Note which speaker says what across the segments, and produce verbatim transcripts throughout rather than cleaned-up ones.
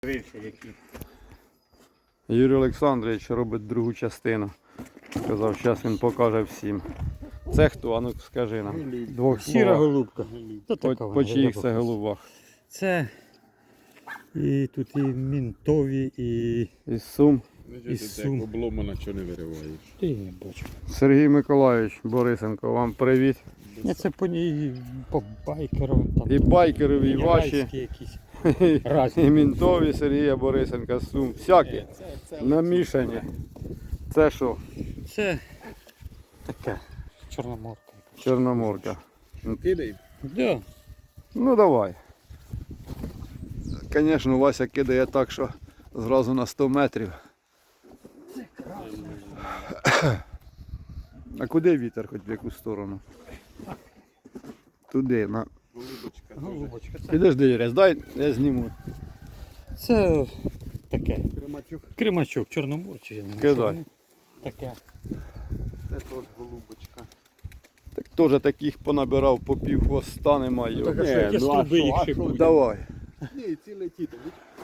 Speaker 1: Юрій Олександрович робить другу частину. Сказав, зараз він покаже всім. Це хто? А ну скажи нам. Двох
Speaker 2: Сіра
Speaker 1: словах.
Speaker 2: голубка.
Speaker 1: По, по чиїх це голубах?
Speaker 2: Це і тут і мінтові, і
Speaker 1: Із Сум.
Speaker 2: із Сум.
Speaker 3: Обломана, що не вириваєш.
Speaker 2: Ти не бачу.
Speaker 1: Сергій Миколайович Борисенко, вам привіт.
Speaker 2: Я це по ній, по байкерам там.
Speaker 1: І байкерові, і ваші,
Speaker 2: Єврейські якісь.
Speaker 1: і
Speaker 2: Разні.
Speaker 1: мінтові Сергія Борисенка з Сум. Всякі намішані. Це що?
Speaker 2: Це таке. Чорноморка.
Speaker 1: Чорноморка.
Speaker 3: Кидай.
Speaker 2: Да.
Speaker 1: Ну давай. Звісно, Вася кидає так, що зразу на сто метрів. А куди вітер, хоч в яку сторону? Туди, на.
Speaker 3: Голубочка.
Speaker 2: Голубочка. Це,
Speaker 1: Підожди, Юрій, дай я зніму.
Speaker 2: це таке.
Speaker 3: Кремачук.
Speaker 2: Кримачок, чорноморчий. я не знаю,
Speaker 1: Кидай.
Speaker 2: що воно. Таке.
Speaker 3: Це теж голубочка.
Speaker 1: Так теж таких понабирав по пів хвоста немає.
Speaker 2: Так, а
Speaker 1: Ні,
Speaker 2: що, які
Speaker 3: ну, а
Speaker 2: струби
Speaker 3: що,
Speaker 2: їх
Speaker 3: а
Speaker 2: ще
Speaker 3: що?
Speaker 2: будуть?
Speaker 1: давай.
Speaker 3: Ні, ці летіти.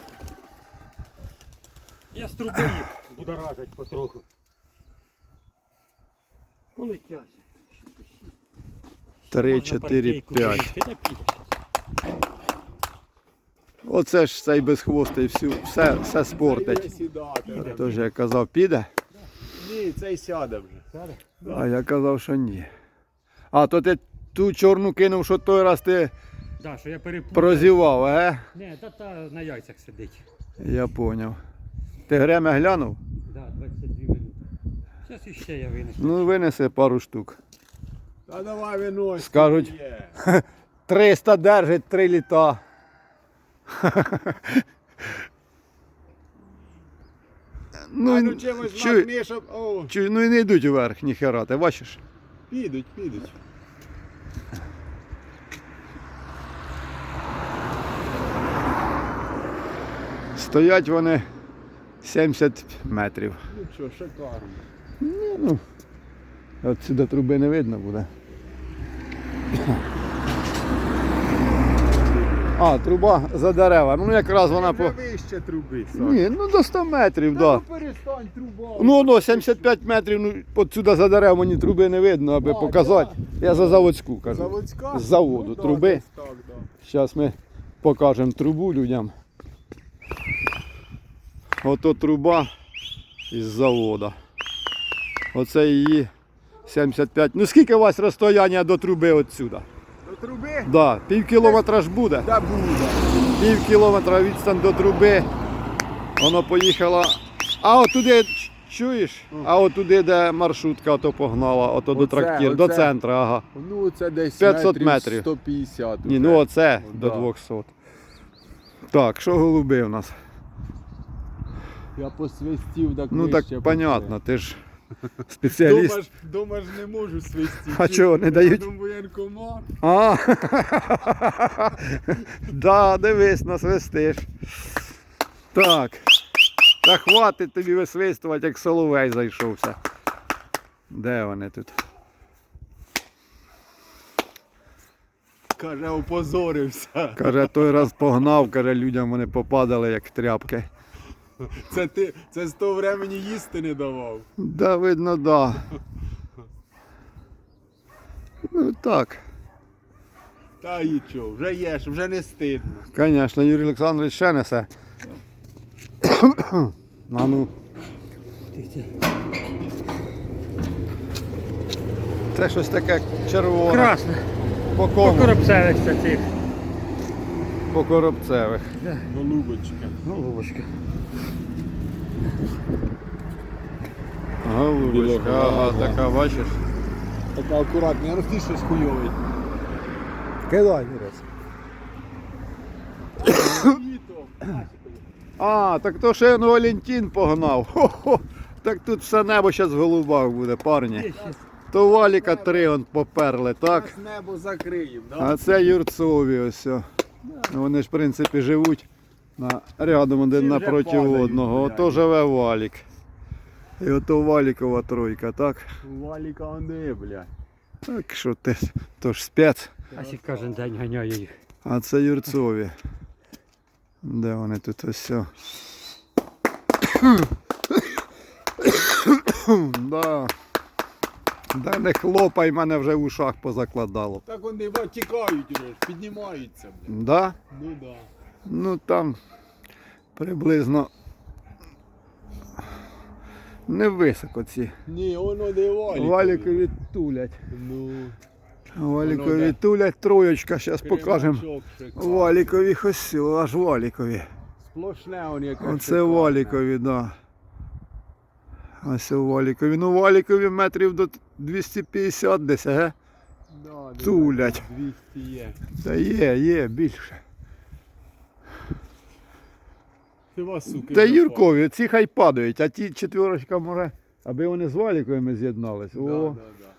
Speaker 2: Я струби їх будоражать потроху. Полетять.
Speaker 1: Три, чотири, п'ять.
Speaker 2: Ти так підеш.
Speaker 1: Оце ж цей безхвостий всю, все, все спортить.
Speaker 3: Сідати.
Speaker 1: Тож я казав, піде,
Speaker 3: Ні, цей сяде вже.
Speaker 1: а я казав, що ні. А, то ти ту чорну кинув, що той раз ти
Speaker 2: Да, що я перепутав.
Speaker 1: прозівав, е?
Speaker 2: Не, та, та на яйцях сидить.
Speaker 1: Я поняв. Ти Гремя глянув?
Speaker 2: Да, двадцять дві минути. Зараз іще я винесу.
Speaker 1: Ну винеси пару штук.
Speaker 3: Та давай винось.
Speaker 1: Скажуть. триста держить, три літа. Ну,
Speaker 3: А ну чимось
Speaker 1: чуй,
Speaker 3: махни, щоб... О,
Speaker 1: чуй, ну і не йдуть вверх, ніхера, ти бачиш?
Speaker 3: підуть, підуть.
Speaker 1: Стоять вони сімдесят метрів.
Speaker 3: Ну що, шикарно.
Speaker 1: Ну, от сюди труби не видно буде. А, труба за деревами. Ну якраз вона по...
Speaker 3: Вже вище труби, Саш.
Speaker 1: Ні, ну до ста метрів,
Speaker 3: Та
Speaker 1: так.
Speaker 3: ну перестань, труба.
Speaker 1: Ну, ну, сімдесят п'ять метрів, ну, от сюди за дерев мені труби не видно, аби
Speaker 3: А,
Speaker 1: показати. Я за заводську кажу.
Speaker 3: Заводська?
Speaker 1: З заводу
Speaker 3: Ну, да,
Speaker 1: труби.
Speaker 3: десь так, да.
Speaker 1: Зараз ми покажемо трубу людям. Ото труба із заводу. Оце її сімдесят п'ять. Ну скільки у вас розстояння до труби отсюда?
Speaker 3: До труби?
Speaker 1: Да, пів кілометра ж буде.
Speaker 3: Да буде.
Speaker 1: Пів кілометра відстань до труби. Воно поїхало. А отуди, чуєш? А отуди, де маршрутка ото погнала, ото до
Speaker 3: Оце,
Speaker 1: трактиру, до
Speaker 3: оце.
Speaker 1: центру, ага.
Speaker 3: Ну це десь
Speaker 1: п'ятсот метрів.
Speaker 3: сто п'ятдесят.
Speaker 1: Ні, ну оце до
Speaker 3: Да.
Speaker 1: двохсот. Так, що голуби у нас?
Speaker 3: Я посвистів, так
Speaker 1: Ну
Speaker 3: вище
Speaker 1: так понятно,
Speaker 3: пішли.
Speaker 1: ти ж спеціаліст.
Speaker 3: Дома ж, дома ж не можу свистіти.
Speaker 1: А чого, не дають?
Speaker 3: Там воєнкомат.
Speaker 1: А, да, дивись, насвистиш. Так. Та хватить тобі висвистувати, як соловей зайшовся. Де вони тут?
Speaker 3: Каже, опозорився.
Speaker 1: Каже, той раз погнав, каже, людям вони попадали як тряпки.
Speaker 3: Це ти, це з того времени їсти не давав.
Speaker 1: Да, видно, да. Ну так.
Speaker 3: Та і чо, вже єш, вже не стидно.
Speaker 1: Звісно, Юрій Олександрович ще несе. А ну. Це щось таке червоне.
Speaker 2: Красне.
Speaker 1: По
Speaker 2: По
Speaker 1: кому?
Speaker 2: коробцевих це цих.
Speaker 1: По коробцевих.
Speaker 3: Голубочка.
Speaker 2: Голубочка.
Speaker 1: Голубочка, ага,
Speaker 3: Білого.
Speaker 1: така, бачиш?
Speaker 3: Така акуратна, я розумію, щось хуйовий.
Speaker 1: Кидай, Юрець. А, так то ще ну, Валентин погнав. Хо-хо. Так тут все небо зараз в голубах буде, парні. То валіка три он поперли, так?
Speaker 3: Нас небо закриємо, да?
Speaker 1: А це юрцові ось. о. Ну, вони ж в принципі живуть на, рядом один
Speaker 3: Всі вже
Speaker 1: напроти
Speaker 3: падають,
Speaker 1: одного.
Speaker 3: блядь.
Speaker 1: Ото живе валік. І ото валікова тройка, так?
Speaker 3: Валіка онди, блядь.
Speaker 1: Так що ти, то ж спец.
Speaker 2: А ще кожен день ганяє їх.
Speaker 1: А це юрцові. Де вони тут ось все? Да. Да не хлопай, мене вже в ушах позакладало.
Speaker 3: Так вони ба, тікають уже, ж, піднімаються, блядь.
Speaker 1: Да?
Speaker 3: Ну да.
Speaker 1: Ну там приблизно не високо ці.
Speaker 3: Ні, воно не валікові.
Speaker 1: Валікові тулять.
Speaker 3: Ну,
Speaker 1: Валікові
Speaker 3: Воно де?
Speaker 1: тулять, троєчка, зараз покажемо.
Speaker 3: кремачок шикарний.
Speaker 1: Валікові ось, аж валікові.
Speaker 3: Сплошне воно яке
Speaker 1: Оце
Speaker 3: шикарне.
Speaker 1: валікові, да. Ось валікові. Ну валікові метрів до двісті п'ятдесят десь, ага.
Speaker 3: Да, десь
Speaker 1: Тулять.
Speaker 3: двісті є.
Speaker 1: Та є, є, більше.
Speaker 3: Хіба, суки,
Speaker 1: Та
Speaker 3: запали.
Speaker 1: Юркові, ці хай падають, а ті четверочка може, аби вони з валіковими з'єднались.
Speaker 3: Да,
Speaker 1: О,
Speaker 3: да, да.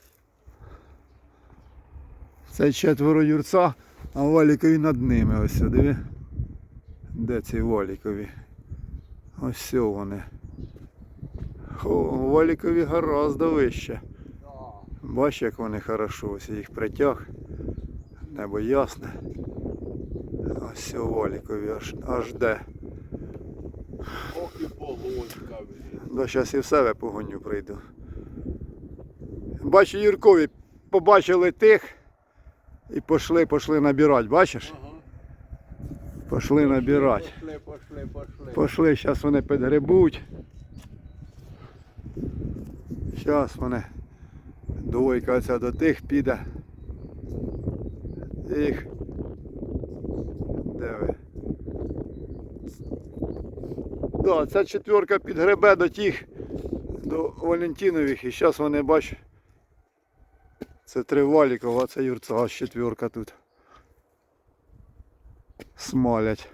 Speaker 1: це четверо юрця, а валікові над ними. Ось, диви. Де ці валікові? Ось все вони. О, валікові гораздо вище.
Speaker 3: Да.
Speaker 1: Бачиш, як вони хорошо, ось я їх притяг. Небо ясне. Ось все валікові аж, аж де.
Speaker 3: Ох і погодка, блін.
Speaker 1: Да, зараз і в себе погоню прийду. Бачу, Юркові побачили тих і пішли, пішли набирати, бачиш?
Speaker 3: Ага.
Speaker 1: Пішли набирати.
Speaker 3: Пошли, пошли, пошли.
Speaker 1: Пішли, зараз вони підгребуть. Зараз вони. Двойка ця до тих піде. Їх. Де ви? Да, ця четверка підгребе до тих, до Валентинових, і зараз вони, бач, це три Валікова, а це Юрця, аж четверка тут. Смалять.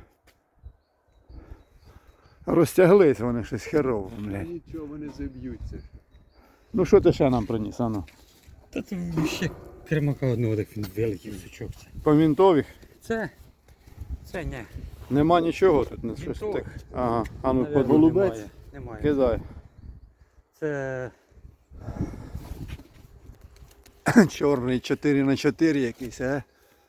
Speaker 1: Розтяглись вони щось херово, блядь.
Speaker 3: Нічого, вони заб'ються.
Speaker 1: Ну що ти ще нам приніс, ану?
Speaker 2: Та тут ще кремака одного, так він великий сучок.
Speaker 1: По мінтових?
Speaker 2: Це, це не.
Speaker 1: Нема нічого тут, не щось
Speaker 2: Мінтових?
Speaker 1: так. Ага, а ну
Speaker 2: Наверно,
Speaker 1: под голубець.
Speaker 2: Немає. немає.
Speaker 1: Кидай.
Speaker 2: Це
Speaker 1: Чорний чотири на чотири якийсь, а?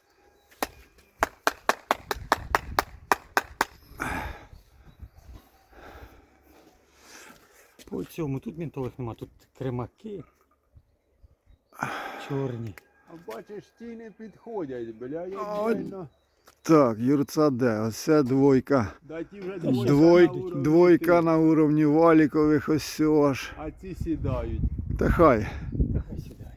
Speaker 2: по цьому, тут мінтових нема, тут кремаки. Чорні.
Speaker 3: А бачиш, ті не підходять, бля, я
Speaker 1: А,
Speaker 3: реально.
Speaker 1: Так, Юрця де? Оце двойка.
Speaker 3: Да ті вже двойка
Speaker 1: Двой,
Speaker 3: на уровні
Speaker 1: двойка
Speaker 3: тих,
Speaker 1: на уровні валікових, ось все аж.
Speaker 3: А ці сідають.
Speaker 1: Та хай.
Speaker 2: Та хай сідає.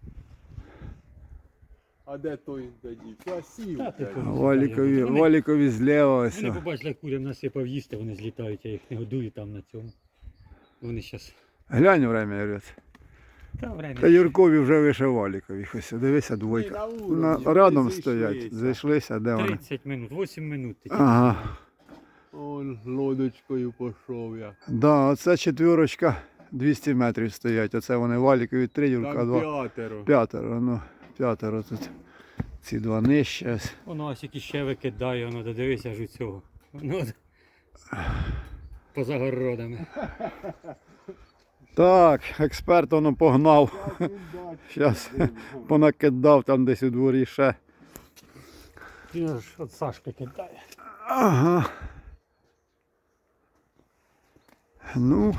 Speaker 3: А де той тоді? Красив.
Speaker 2: Та ти
Speaker 3: блядь.
Speaker 2: помниш.
Speaker 1: Валікові,
Speaker 2: Вони-
Speaker 1: валікові зліва ось.
Speaker 2: Вони побачили, як курям насипав їсти, вони злітають, я їх не годую там на цьому. Вони зараз.
Speaker 1: Глянь время, Юрець.
Speaker 2: Та время.
Speaker 1: Та Юркові вже вище валікових. Ось, дивися,
Speaker 3: Ні,
Speaker 1: двойка.
Speaker 3: на
Speaker 1: На,
Speaker 3: уровні, вони
Speaker 1: рядом
Speaker 3: зійшлися.
Speaker 1: стоять. Зайшлися, де вони?
Speaker 2: тридцять минут, вісім минут. тільки.
Speaker 1: Ага.
Speaker 3: Он лодочкою пішов я.
Speaker 1: Да, оце четвірочка двісті метрів стоять. Оце вони валікові три, Юрка
Speaker 3: Там
Speaker 1: два.
Speaker 3: п'ятеро.
Speaker 1: П'ятеро, ну, п'ятеро тут. Ці два нижче. ось.
Speaker 2: Воно ось які ще викидає, воно додивися аж у цього. Воно от поза городами.
Speaker 1: Так, експерт воно погнав.
Speaker 3: Як він бачить,
Speaker 1: Зараз
Speaker 3: дивно.
Speaker 1: понакидав там десь у дворі ще.
Speaker 2: Він аж от Сашки кидає.
Speaker 1: Ага. Ну.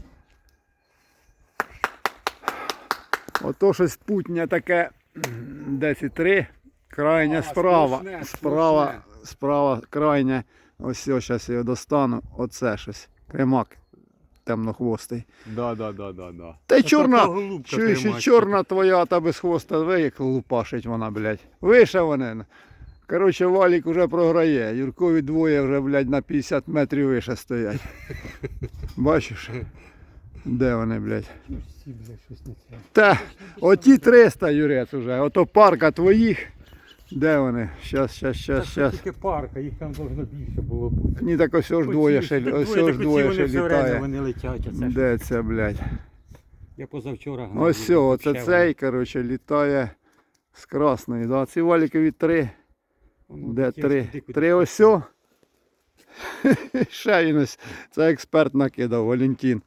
Speaker 1: Ото щось путнє таке десять три. Крайня
Speaker 3: А,
Speaker 1: справа.
Speaker 3: сплошне,
Speaker 1: Справа,
Speaker 3: сплошне.
Speaker 1: справа крайня. Ось ось зараз я його достану. Оце щось. Кремак темнохвостий.
Speaker 3: Да, да, да, да, да.
Speaker 1: Та й
Speaker 2: Ото
Speaker 1: чорна,
Speaker 2: голубка
Speaker 1: чуєш, і
Speaker 2: кремачка.
Speaker 1: чорна твоя та без хвоста, ви як лупашить вона, блядь. Вище вони. Коротше, Валік вже програє. Юркові двоє вже, блядь, на п'ятдесят метрів вище стоять. Бачиш? Де вони, блядь?
Speaker 2: Всі, бля, щось не це.
Speaker 1: Та, оті триста, Юрець, уже. Ото парка твоїх. Де вони? Щас, щас,
Speaker 2: Та
Speaker 1: щас,
Speaker 2: це
Speaker 1: щас.
Speaker 2: тільки парка, їх там должно більше було бути.
Speaker 1: Ні, так ось ж двоє
Speaker 2: Оці-
Speaker 1: ще,
Speaker 2: так
Speaker 1: ось
Speaker 2: двоє,
Speaker 1: ж
Speaker 2: так
Speaker 1: двоє
Speaker 2: оці
Speaker 1: ще
Speaker 2: вони все время
Speaker 1: літає.
Speaker 2: Вони летять, оце ж.
Speaker 1: Де це, блядь?
Speaker 2: Я позавчора гнав.
Speaker 1: Ось все, оце
Speaker 2: ще
Speaker 1: цей, коротше, літає з красної. Да? Ці валікові три.
Speaker 2: воно
Speaker 1: Де
Speaker 2: таке
Speaker 1: три?
Speaker 2: туди, куди
Speaker 1: Три ось сьо. Ще він ось. Це експерт накидав, Валентин.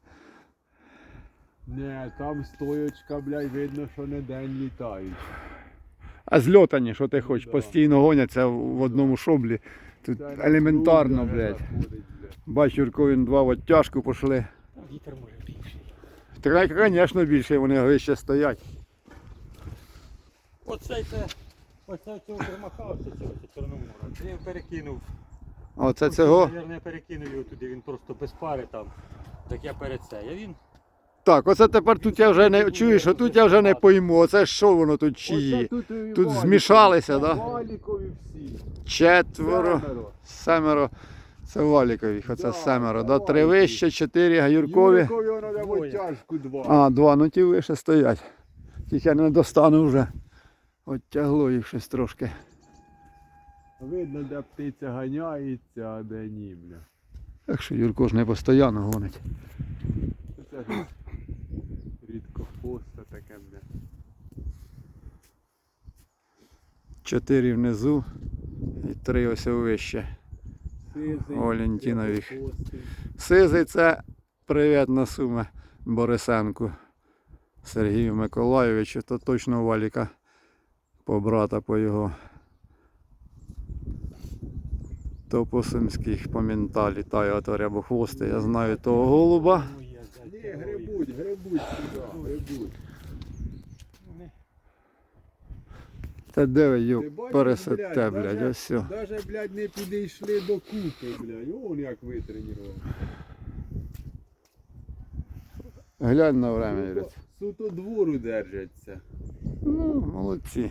Speaker 3: Не, там стоячка, блядь, видно, що не день літають.
Speaker 1: А зльотані, що ти хочеш,
Speaker 3: Да.
Speaker 1: постійно гоняться в одному шоблі. Тут
Speaker 3: Це на
Speaker 1: елементарно,
Speaker 3: клуб,
Speaker 1: блядь.
Speaker 3: заходить, блядь.
Speaker 1: Бач, Юрко, він два в оттяжку пішли.
Speaker 2: Та вітер може більший.
Speaker 1: Так, звісно, більше вони вище стоять.
Speaker 2: Оцей це, оце цього примахався, цього це Чорномора. Це я перекинув.
Speaker 1: Оце цього.
Speaker 2: Наверно, я перекинув його туди, він просто без пари там. Так я перед це. А він
Speaker 1: Так, оце тепер тут я вже не чуєш, отут я вже не пойму. Оце що воно тут чиї?
Speaker 3: Оце тут, і
Speaker 1: Тут
Speaker 3: Валікові.
Speaker 1: змішалися, да?
Speaker 3: Валікові всі.
Speaker 1: Четверо,
Speaker 3: Семеро.
Speaker 1: семеро. Це Валікові, оце
Speaker 3: Да,
Speaker 1: семеро.
Speaker 3: це
Speaker 1: Да? Три
Speaker 3: Валікові.
Speaker 1: вище, чотири Гаюркові.
Speaker 3: Юркові воно де в
Speaker 2: Двоє.
Speaker 3: оттяжку два.
Speaker 1: А, два, ну ті вище стоять. Тільки я не достану вже. Оттягло їх щось трошки.
Speaker 3: Видно, де птиця ганяється, а де ні, бля.
Speaker 1: Так що Юрко ж не постійно гонить.
Speaker 3: Це ж рідко поста таке, бля.
Speaker 1: Чотири внизу і три ось вище.
Speaker 3: Сизий,
Speaker 1: Валентинові.
Speaker 3: рідкохвостий.
Speaker 1: Сизий це привіт на суми Борисенку Сергію Миколайовичу, то точно Валіка по брата по його. То по сумських по мента літає ото рябохвостий. Я знаю того голуба.
Speaker 2: моє взяти.
Speaker 3: Ні, грибуть, грибуть сюди, грибуть.
Speaker 1: Та де ви
Speaker 3: Ти
Speaker 1: його
Speaker 3: бачиш,
Speaker 1: пересете, блядь,
Speaker 3: даже-
Speaker 1: ось все.
Speaker 3: Даже, блядь, не підійшли до купи, блядь. Вон як витренував.
Speaker 1: Глянь на время, Юрець.
Speaker 3: Суто двору держаться.
Speaker 1: Ну, молодці.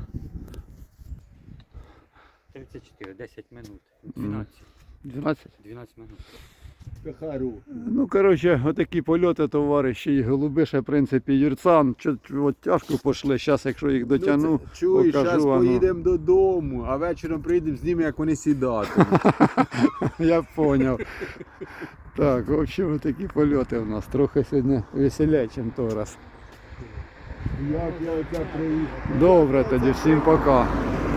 Speaker 2: тридцять чотири, десять минут. дванадцять.
Speaker 1: дванадцять?
Speaker 2: дванадцять минут.
Speaker 3: Кахару.
Speaker 1: Ну, коротше, отакі польоти, товариші, і голуби ще, в принципі, юрцам. Чуть от тяжко пішли, зараз, якщо їх дотягну,
Speaker 3: Ну, це- чуєш,
Speaker 1: покажу,
Speaker 3: зараз
Speaker 1: а ну.
Speaker 3: поїдемо додому, а вечором прийдемо з ними, як вони сідатимуть.
Speaker 1: Я поняв. Так, в общем, такі польоти у нас. Трохи сьогодні веселіше, ніж той раз.
Speaker 3: Як я оце приїхав.
Speaker 1: Добре тоді, всім пока.